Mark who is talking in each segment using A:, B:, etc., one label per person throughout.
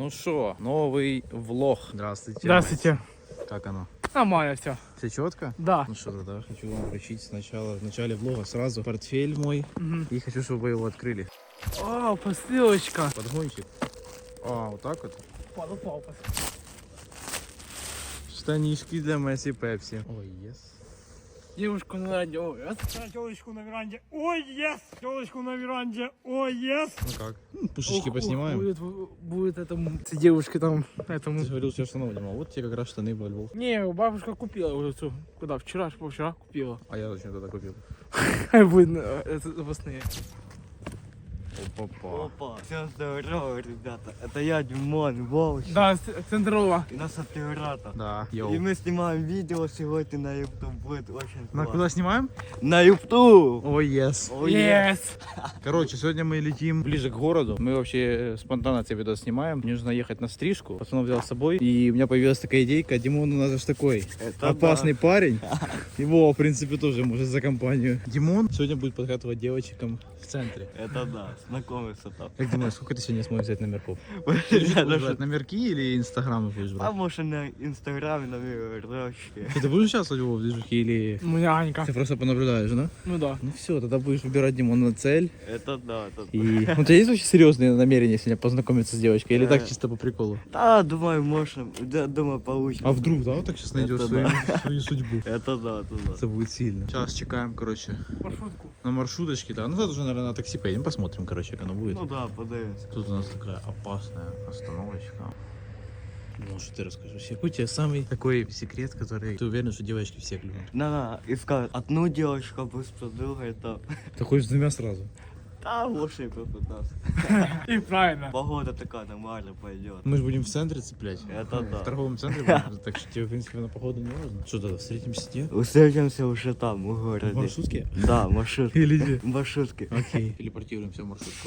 A: Ну что, новый влог. Здравствуйте.
B: Здравствуйте.
A: Как оно?
B: Нормально все.
A: Все четко?
B: Да.
A: Ну что, тогда хочу вам вручить сначала, в начале влога сразу портфель мой. И хочу, чтобы вы его открыли.
B: О, посылочка.
A: Подгончик. А, вот так вот.
B: Упал.
A: Штанишки для Месси Пепси. Ой, yes.
B: Девушку на веранде. Ой, телочку на веранде. Ой, ес. Телочку на веранде. Ой, ес.
A: Ну как? Пушечки поснимаем.
B: Будет этому девушке там этому.
A: Ты же говорил, что штанов нема. Вот тебе как раз штаны во Львов.
B: Не, бабушка купила уже цю. Когда? Вчера купила.
A: А я зачем тогда купил?
B: Будет запасные.
A: Опа-па.
C: Опа, всем здорово, ребята. Это я, Димон, Вовч.
B: Да, центрова.
C: И наш оператор.
A: Да,
C: И
A: йоу.
C: мы снимаем видео сегодня на YouTube. Будет очень
A: На
C: классно.
A: куда снимаем?
C: На YouTube.
A: Ой, yes.
C: Oh, yeah.
B: Yes.
A: Короче, сегодня мы летим ближе к городу. Мы вообще спонтанно этот видос снимаем. Мне нужно ехать на стрижку. Пацанов взял с собой. И у меня появилась такая идейка. Димон у нас же такой
C: Это
A: опасный парень. Его, в принципе, тоже может за компанию. Димон сегодня будет подхватывать девочкам в центре.
C: Это да, знакомиться там.
A: Как думаешь, сколько ты сегодня сможешь взять номерков?
C: Я
A: Будешь
C: даже...
A: брать номерки или инстаграмы будешь
C: А
A: брать?
C: может на Инстаграме, на мирочке.
A: Ты будешь участвовать в движухе или
B: У меня Анька.
A: ты просто понаблюдаешь, да?
B: Ну да.
A: Ну все, тогда будешь выбирать Димона цель.
C: Это да, это да.
A: И ну, у тебя есть вообще серьезные намерения сегодня познакомиться с девочкой? Или так чисто по приколу?
C: Да, думаю, можно. Да, думаю, получится.
A: А вдруг, да, вот так сейчас найдешь
C: Это
A: свою судьбу?
C: Это да, это да.
A: Это будет сильно. Сейчас чекаем, короче,
B: Маршрутку.
A: на маршруточке, да. Ну, завтра уже, наверное, на такси поедем, посмотрим, короче, как оно будет.
C: Ну да, подивимся.
A: Тут у нас такая опасная остановочка. Ну, что ты расскажешь? Какой у тебя самый такой секрет, который ты уверен, что девочки всех любят?
C: Надо искать одну девочку, быстро другая там.
A: Ты хочешь с двумя сразу?
C: Да, лучше попытаться.
B: И правильно.
C: Погода такая нормально пойдет.
A: Мы же будем в центре цеплять.
C: Это
A: В
C: да.
A: торговом центре будем, так что тебе, в принципе, на походу не важно. Что тогда, встретимся где?
C: Встретимся уже там, в
A: В
C: городе.
A: маршрутке?
C: Да, маршрутка.
A: Или где?
C: Маршрутки.
A: Окей. Телепортируемся в маршрутку.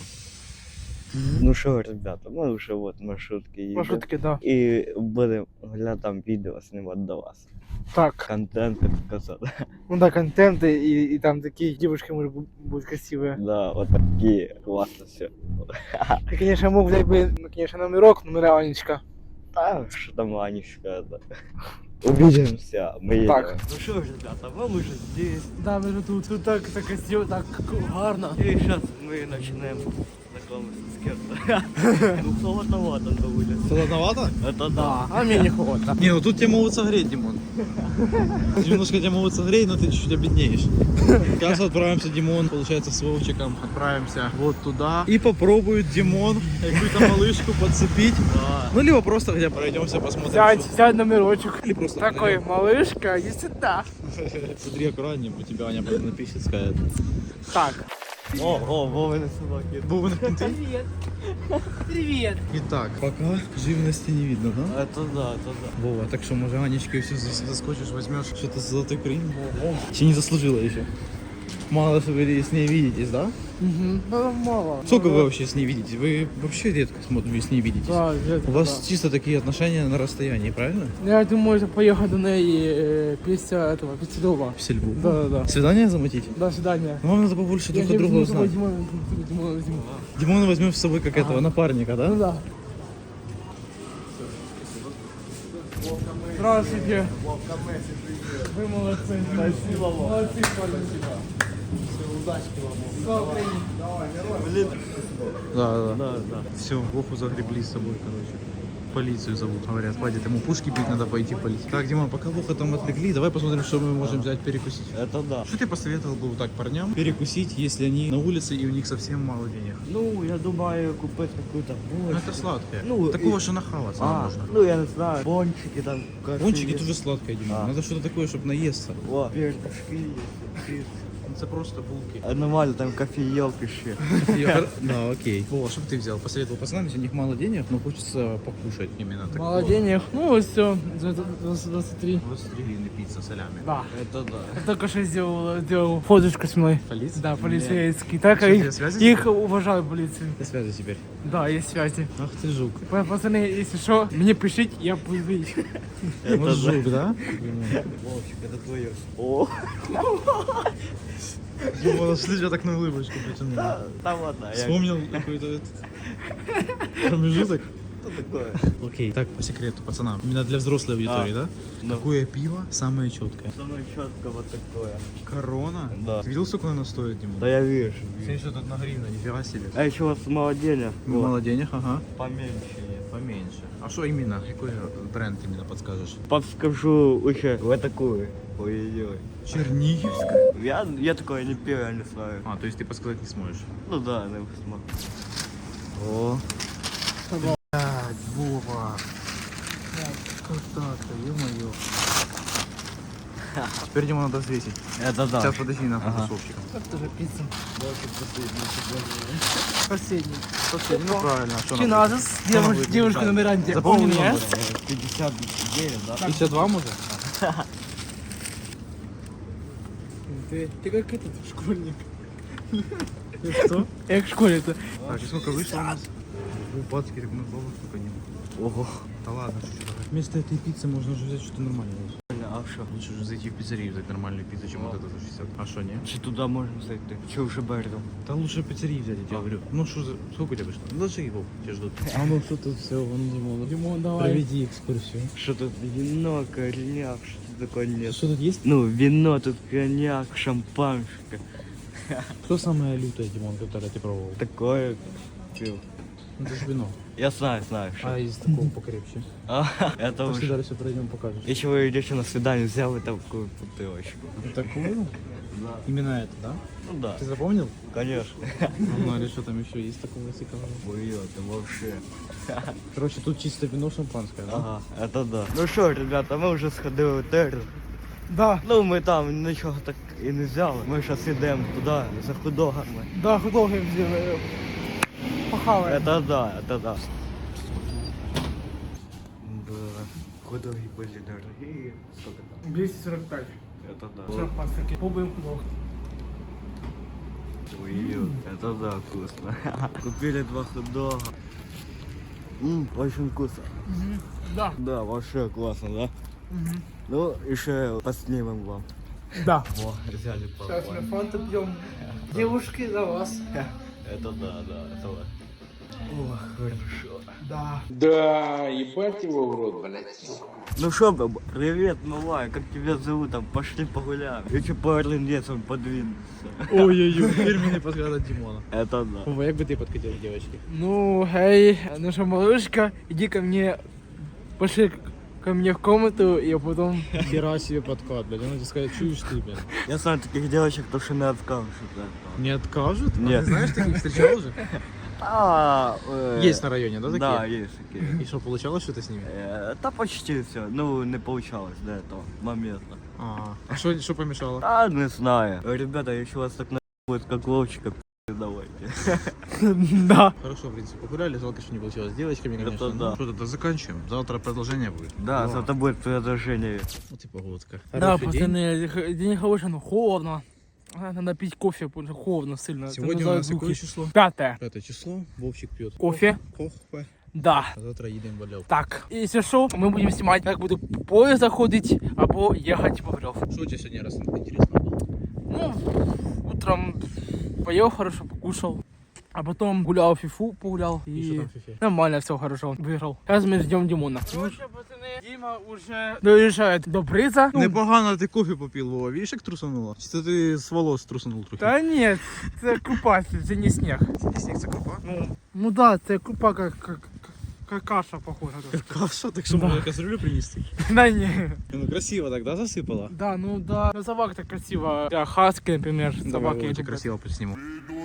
C: Ну что, ребята, мы уже вот маршрутки едем.
B: Маршрутки, да.
C: И будем там видео снимать до вас.
B: Так.
C: Контент, так сказать.
B: Ну да, контенты и там такие девушки, может, будут красивые.
C: Да, вот такие. Классно все.
B: Я, конечно, мог взять бы, ну, конечно, номера Анечка.
C: Да, что там Анечка это. Увидимся, мы едем.
B: Так.
C: Ну что, ребята, мы уже здесь.
B: Да, ми ж тут так красиво, так гарно.
C: И сейчас мы начинаем знакомиться с кем-то. Ну, холодновато на улице.
A: Холодновато?
C: Это да.
B: А мне не холодно.
A: Не, ну тут тебя могут согреть, Димон. Немножко тебя могут согреть, но ты чуть-чуть обеднеешь. Сейчас отправимся, Димон, получается, с Вовчиком. Отправимся вот туда. И попробует Димон какую-то малышку подцепить.
C: Да.
A: Ну, либо просто хотя бы пройдемся, посмотрим.
B: Сядь номерочек.
A: Или просто
B: Такой, малышка, иди сюда.
A: Смотри аккуратнее, у тебя Аня потом напишет, скажет.
B: Так.
C: О, Вовины собаки.
A: Бубен кінти.
B: Привет. Привет.
A: Итак, пока живности не видно, да?
C: Это да, это да.
A: Вова, так что, может, Анечкой все заскочишь, возьмешь что-то с золотой крым? Еще не заслужила еще. Мало что вы с ней видитесь, да?
B: Угу. Да, мало.
A: Сколько вы вообще с ней видитесь? Вы вообще редко с ней видитесь.
B: Да, редко,
A: У вас
B: да.
A: чисто такие отношения на расстоянии, правильно?
B: Я думаю, что поехать до ней після дома.
A: В сельву.
B: Да.
A: Свидание замутить?
B: До свидания.
A: Ну, вам надо побольше друг от друга узнать.
B: Димона возьму.
A: Димона возьмем с собой как этого, напарника, да?
B: Ну да. Здравствуйте. Вы молодцы. Спасибо вам. Молодцы, спасибо. Удачки вам. Слава Украине.
C: Блин.
A: Да.
C: Да, да.
A: Все, Вову загребли с собой, короче. Полицию зовут, говорят. Хватит ему пушки бить, надо пойти полить. Так, Димон, пока Вову там отвлекли, давай посмотрим, что мы можем взять перекусить.
C: Это да.
A: Что ты посоветовал бы вот так парням перекусить, если они на улице и у них совсем мало денег?
C: Ну, я думаю, купить какую-то
A: Ну
C: булочку.
A: это сладкое.
C: Ну,
A: Такого,
C: и-
A: что нахаваться
C: А,
A: можно.
C: ну я не знаю, пончики там.
A: Пончики
C: кофе
A: тоже сладкое, Димон.
C: А.
A: Надо что-то такое, чтобы наесться.
C: О, пирожки есть.
A: Это просто булки.
C: А нормально, там кофеек еще.
A: Да, окей. Вова, что бы ты взял? Посоветовал пацанам, если у них мало денег, но хочется покушать именно такого.
B: Мало денег. Ну вот все. 23.
A: 23 гривны пицца солями.
B: Да.
C: Это да.
B: Я только что сделал фоточку с мной.
A: Полиция?
B: Да, полицейский. Так,
A: Что,
B: их,
A: тебе связи
B: их уважаю полицию.
A: Ты связи теперь.
B: Да, есть связи.
A: Ах ты жук.
B: Пацаны, если что, мне пишите, я буду видеть.
A: Вот жук, да?
C: Вовчик, это твое. О,
A: Дима, нашли тебя так на улыбочку потянул.
C: там ладно.
A: Вспомнил какой-то промежуток.
C: что такое?
A: Окей, так по секрету, пацанам. Именно для взрослой аудитории, да?
C: Ну.
A: Какое пиво самое четкое?
C: Самое четко вот такое.
A: Корона?
C: Да.
A: Ты видел, сколько оно стоит, Дима?
C: Да я вижу.
A: Смотри, что тут на гривну, нифига себе.
C: А еще у вас мало денег. Вот.
A: Мало денег, ага.
C: Поменьше есть.
A: Поменьше. А что именно? Какой бренд именно подскажешь?
C: Подскажу еще вот такую. Ой-ой-ой.
A: Черниговская?
C: Я такое не пил, я не знаю.
A: А, то есть ты подсказать не сможешь?
C: Ну да, я смогу.
A: О. Блядь, Вова. Как так-то, ё-моё. Теперь Дима надо взвесить.
C: Это да.
A: Сейчас подожди на
C: Ага.
A: тусовщика.
B: Это же пицца. Последний.
A: Ну правильно, что нам?
B: Чиназис.
A: будет?
B: Девушка на веранде.
A: Запомни
B: Yes.
A: номер.
C: 59, да?
A: 52 может?
B: Ты как этот школьник.
A: Что?
B: Я как в школе-то.
A: Так, и сколько вышло у нас? Бацкий, так мы бабок сколько не.
C: Ого.
A: Да ладно, что вместо этой пиццы можно уже взять что-то нормальное.
C: А что?
A: Лучше уже зайти в пиццерию, взять нормальную пиццу, чем вот это за 60. А что, не?
C: Чи туда можно зайти? Че уже берем?
A: Да лучше в пиццерии взять, я тебе говорю. Ну что за... Сколько у тебя вышло? Ну даже его тебя ждут.
B: А ну что тут все, вон Димон. Димон, давай.
A: Проведи экскурсию.
C: Что тут вино, коньяк, что такое нет?
A: Что тут есть?
C: Ну, вино, тут коньяк, шампанское.
A: Что самое лютое, Димон, которое ты пробовал?
C: Такое пил.
A: Ну, это же вино.
C: Я знаю, что.
A: А из такого покрепче.
C: Это
A: Пошли
C: уж.
A: дальше пройдем, покажешь.
C: Если вы идете на свидание, взял бы такую бутылочку.
A: Такую?
C: Да.
A: Именно это, да?
C: Ну да,
A: Ты запомнил?
C: конечно.
A: Ну или что там еще есть такого цикла?
C: Ой, это вообще.
A: Короче, тут чисто вино шампанское, да?
C: Ага, это да. Ну що, ребята, ми вже сходили в терр.
B: Да,
C: Ну, ми там нічого так і не взяли. Ми зараз йдемо туди, за худогами.
B: да, художник сделаю. Похавай.
C: Это да, это да. Да, худоги были дорогие. Сколько там?
B: 245.
C: Это да.
B: Шампанское. Пробуем художник.
C: Ой, это да, вкусно. Купили 2 хот-дога. Очень вкусно.
B: Да.
C: Да, вообще классно, да? Ну, еще поснимем вам.
B: Да.
C: Во, взяли пару.
B: Сейчас мы фанту пьем. Девушки, за вас.
C: Это да, это да. О, хорошо.
B: Да.
D: Да, ебать его в рот, блядь.
C: Ну шо, баба, привет, малая, как тебя зовут? Там пошли погуляем. Еще пару лесом подвинуться.
A: Ой-ой-ой, фирменный подход от Димона.
C: Это да.
A: Вова, як би ти подкатил к девочке?
B: Ну, эй, ну что, малышка, иди ко мне, пошли ко мне в комнату, и потом...
A: Хера себе подкат, блядь. Он тебе сказать, чуешь ты, блядь.
C: Я знаю таких девочек, кто что не откажет.
A: Не откажут? А
C: Нет.
A: ты знаешь, таких встречал уже? Есть на районе, да, такие?
C: Да, есть такие.
A: И что, получалось что-то с ними?
C: Да почти все. Ну, не получалось до этого момента.
A: А что помешало?
C: А, не знаю. Ребята, если вас так будет как Вовчика, давайте.
B: Да.
A: Хорошо, в принципе, погуляли, жалко, что не получилось с девочками, конечно.
C: Это да.
A: Ну, что тогда заканчиваем. Завтра продолжение будет.
C: Да, завтра будет предложение.
A: Вот и погодка.
B: Да,
A: Хороший день.
B: пацаны, день хороший, но холодно. Надо пить кофе, потому что холодно сильно.
A: Сегодня у нас какое число?
B: 5.
A: 5 число. Вовчик пьет.
B: Кофе?
A: Кофе.
B: Да.
A: А завтра едем в Валев.
B: Так, если что, мы будем снимать, как буду поезд заходить, або ехать в Валев.
A: Что у тебя сегодня раз интересно было?
B: Ну, утром поел хорошо, покушал. А потом гулял в фифу, погулял.
A: И что там в фифе?
B: Нормально, все хорошо, выиграл. Сейчас мы ждем Димона. Короче, пацаны, Дима уже доезжает до приза. Ну,
A: Непогано ти кофе попив, Вова. Видиш, як трусануло? Чи це ти з волос трусанув трохи?
B: да нет, это крупа, это не снег.
A: Це сніг, це крупа?
B: Ну да, это крупа как каша похожа.
A: Каша, так що
B: Да.
A: можна кастрюлю принести?
B: Да не.
A: Ну красиво так, да, засипала?
B: Да, ну да. Ну, собак так красиво. Да, хаски, например.
A: Давай,
B: Собаки.
A: Вова,
B: любят.
A: тебе красиво посниму.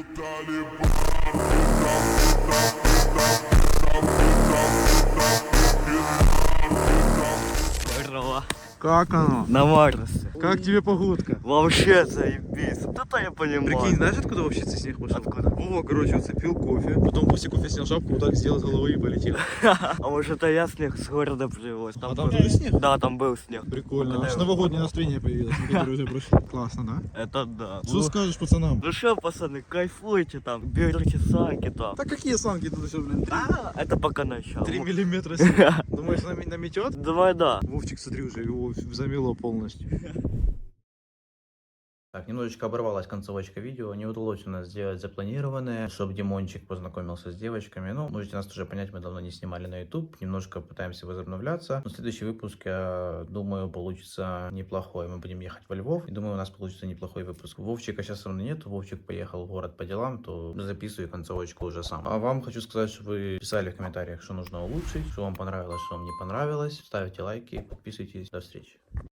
C: Здорово.
A: Как оно?
C: На Марсе.
A: Как тебе погодка?
C: Вообще заебись. Вот это я понимаю.
A: Прикинь, знаешь, откуда вообще цей снег пошел?
C: Откуда?
A: Вова, короче, вот пил кофе, потом после кофе снял шапку, вот так сделал с головы и полетел.
C: А может это я снег с города привез?
A: А там
C: был-
A: тоже снег?
C: Да, там был снег.
A: Прикольно. Аж новогоднее настроение появилось, которые уже прошли. Классно, да?
C: Это да.
A: Что скажешь пацанам?
C: Ну что, пацаны, кайфуйте там, берите санки там.
A: Да какие санки тут еще, блин?
C: Это пока начало.
A: 3 миллиметра снега. Думаешь, наметет?
C: Давай, да.
A: Вовчик, смотри, уже его замело полностью. Так, немножечко оборвалась концовочка видео, не удалось у нас сделать запланированное, чтобы Димончик познакомился с девочками. Ну, можете нас уже понять, мы давно не снимали на YouTube, немножко пытаемся возобновляться. Но следующий выпуск, я думаю, получится неплохой. Мы будем ехать во Львов, и думаю, у нас получится неплохой выпуск. Вовчика сейчас со мной нет, Вовчик поехал в город по делам, то записываю концовочку уже сам. А вам хочу сказать, чтобы вы писали в комментариях, что нужно улучшить, что вам понравилось, что вам не понравилось. Ставьте лайки, подписывайтесь. До встречи.